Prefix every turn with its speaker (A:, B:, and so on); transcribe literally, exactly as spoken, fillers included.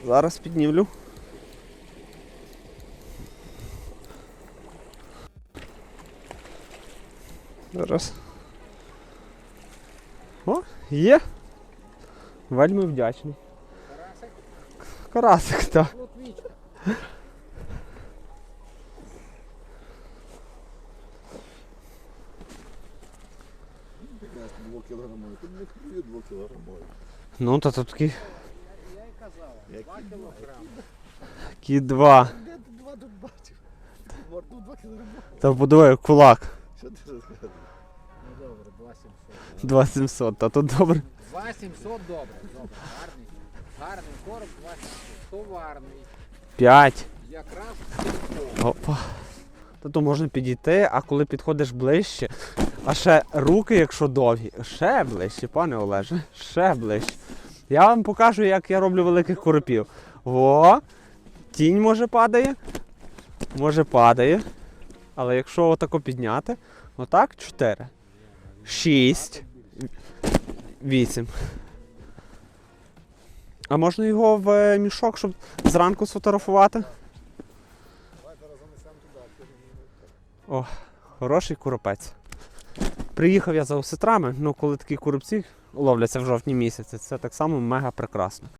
A: Зараз піднімлю. Зараз. О, є. Вельми вдячний.
B: Карасик?
A: Карасик, так.
B: Плотвічка.
C: Двокілограмовий. Тут не хвилює двокілограмовий.
A: Ну, то тут такі,
B: Я й казав, два кілограми.
A: такі два.
C: Де ти два тут бачив? Морду два кілограмовий.
A: Та подивай, кулак.
C: Що ти розказуєш?
B: Ну добре, два сімсот.
A: два сімсот, та тут добре.
B: два сімсот добре, добре, гарний. Гарний короб, два сімсот. Товарний.
A: п'ять.
B: Якраз
A: Опа. Та то можна підійти, а коли підходиш ближче, а ще руки, якщо довгі, ще ближче, пане Олеже, ще ближче. Я вам покажу, як я роблю великих коропів. О, тінь може падає, може падає. Але якщо отако підняти, отак, чотири, шість, вісім. А можна його в мішок, щоб зранку сфотографувати? О, хороший коропець. Приїхав я за осетрами, ну коли такі коробці ловляться в жовтні місяці, це так само мега прекрасно.